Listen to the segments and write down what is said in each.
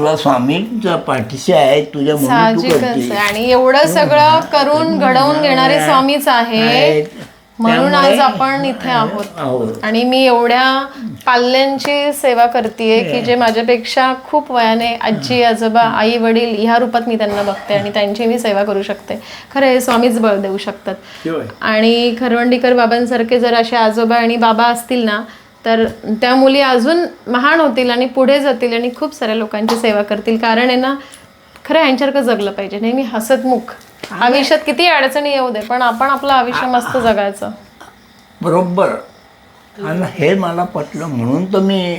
तुला स्वामींच्या पाठीशी आहे तुझ्या म्हणून तू साहजिकच करते. आहे. आणि एवढं सगळं करून घडवून घेणारे स्वामीच आहेत, म्हणून आज आपण इथे आहोत. आणि मी एवढ्या पाल्यांची सेवा करतेय की जे माझ्यापेक्षा खूप वयाने आजी आजोबा आई वडील ह्या रूपात मी त्यांना बघते आणि त्यांची मी सेवा करू शकते. खरं हे स्वामीच बळ देऊ शकतात. आणि खरवंडीकर बाबांसारखे जर असे आजोबा आणि बाबा असतील ना तर त्या मुली अजून महान होतील आणि पुढे जातील आणि खूप साऱ्या लोकांची सेवा करतील. कारण आहे ना, खरं यांच्यासारखं जगलं पाहिजे, नेहमी हसतमुख. आयुष्यात किती अडचणी येऊ दे पण आपण आपलं आयुष्य मस्त जगायचं. बरोबर. आणि हे मला पटलं म्हणून तर मी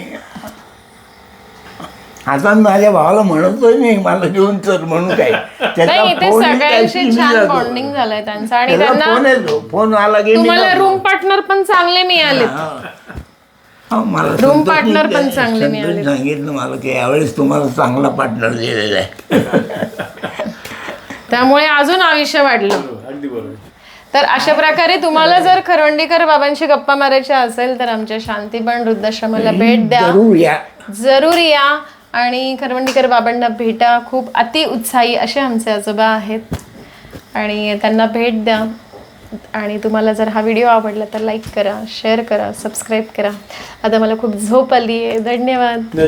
आता माझ्या भावाला म्हणतोय मी मला घेऊन चल म्हणून काय. नाही, इथे सगळ्यांशी छान बॉन्डिंग झालंय त्यांचं. आणि त्यांना फोन आला की तुम्हाला रूम पार्टनर पण चांगले मिळाले. मला रूम पार्टनर पण चांगले मिळाले. सांगितलं मला की यावेळेस तुम्हाला चांगला पार्टनर दिलेला आहे. त्यामुळे अजून आयुष्य वाढलं. अगदी बरोबर. तर अशा प्रकारे तुम्हाला जर खरवंडीकर बाबांशी गप्पा मारायच्या असेल तर आमच्या शांतीबन वृद्धाश्रमाला भेट द्या, जरूर या आणि खरवंडीकर बाबांना भेटा. खूप अति उत्साही असे आमचे आजोबा आहेत आणि त्यांना भेट द्या. आणि तुम्हाला जर हा व्हिडिओ आवडला तर लाईक करा, शेअर करा, सबस्क्राईब करा. आता मला खूप झोप आली आहे. धन्यवाद.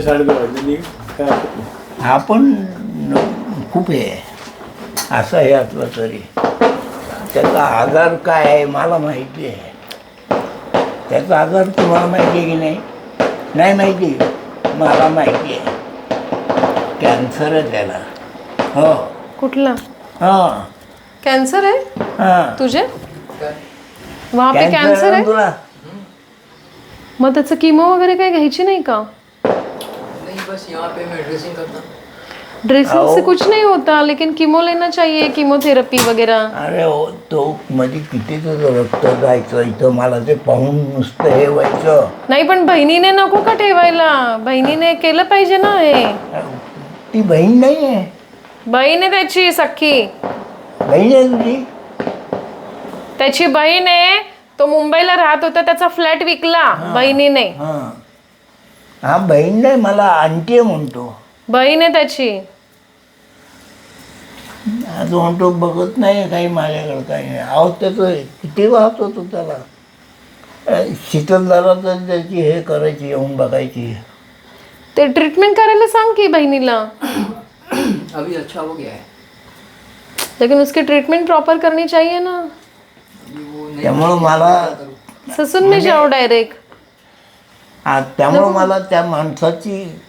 आपण खूप हे असं आहे आपलं तरी त्याचा आजार काय आहे मला माहिती आहे. त्याचा आजार तुम्हाला माहिती आहे की नाही? नाही माहिती? मला माहिती आहे. कॅन्सर आहे त्याला. हो. कुठला? हां. कॅन्सर आहे हां. तुझे? वहाँ पे कॅन्सर आहे? तुला मग त्याचं किमो वगैरे काही घ्यायची नाही का? नहीं, बस यहाँ पे मैं ड्रेसिंग करता हूँ. ड्रेसिंग से कुछ नहीं होता, लेकिन कीमो लेना चाहिए, कीमोथेरपी वगैरह. अरे हो, तो मध्ये किती तुझं रक्त जायचं इथं मला ते पाहून नुसतं हे व्हायचं. नाही पण बहिणीने नको का ठेवायला? बहिणीने केलं पाहिजे ना हे. ती बहीण नाही आहे. बहीण आहे त्याची सख्खी. बहीण आहे तुझी? त्याची बहीण आहे. तो मुंबईला राहत होता, त्याचा फ्लॅट विकला बहिणीने. हां. हा बहीण नाही मला आंटी म्हणतो. बहीण आहे त्याची. आज म्हणतो बघत नाही काही माझ्याकडं काही नाही. अहो त्याचं किती वाहत होतो त्याला. शीतलदारा तर त्याची हे करायची येऊन बघायची. ते ट्रीटमेंट करायला सांग की बहिणीला. अभी अच्छा हो गया है. लेकिन उसकी ट्रीटमेंट प्रॉपर करनी चाहिए ना. त्यामुळं मला ससून में जाओ डायरेक्ट. त्यामुळं मला त्या माणसाची